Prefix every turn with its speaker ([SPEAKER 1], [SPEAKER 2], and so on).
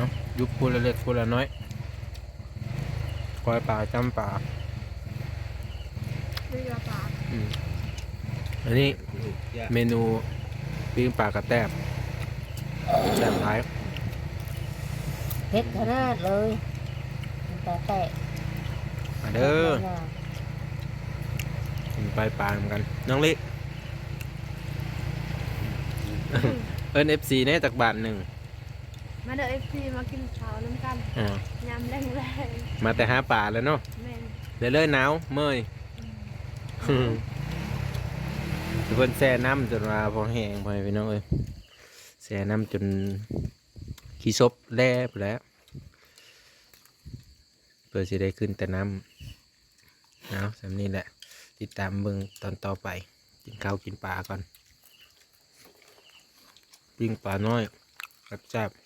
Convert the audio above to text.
[SPEAKER 1] ยุบพูละเล็กพูละน้อยกอยปลาจำปลา
[SPEAKER 2] ไม่ยาปลา
[SPEAKER 1] อันนี้เมนูปิ้งปลากระแตบแซ่บหลาย
[SPEAKER 3] เผ็ดขนาดเลยแต่แต่
[SPEAKER 1] มาเด้อกินไปปลาเหมือนกันน้องลิเอิ้น FC เนี่ยจากบาทหนึ่ง
[SPEAKER 2] มาเด้อFCมากินข้าวน้ำกัน
[SPEAKER 1] อ่าย
[SPEAKER 2] ำแรง
[SPEAKER 1] มาแต่หาปลาแล้วเนาะ
[SPEAKER 2] ๆแม่น
[SPEAKER 1] เลยหนาวเมื่อยทุกคนแช่น้ำจนว่าพอแห้งพอให้พี่น้องเอ้ยแช่น้ำจนขี้ซบแล่ไปแล้วเพื่อจะได้ขึ้นแต่น้ำเอาสำนี้แหละติดตามเบิ่งตอนต่อไปกินข้าวกินปลาก่อนปิ้งปลาน้อยแซ่บๆ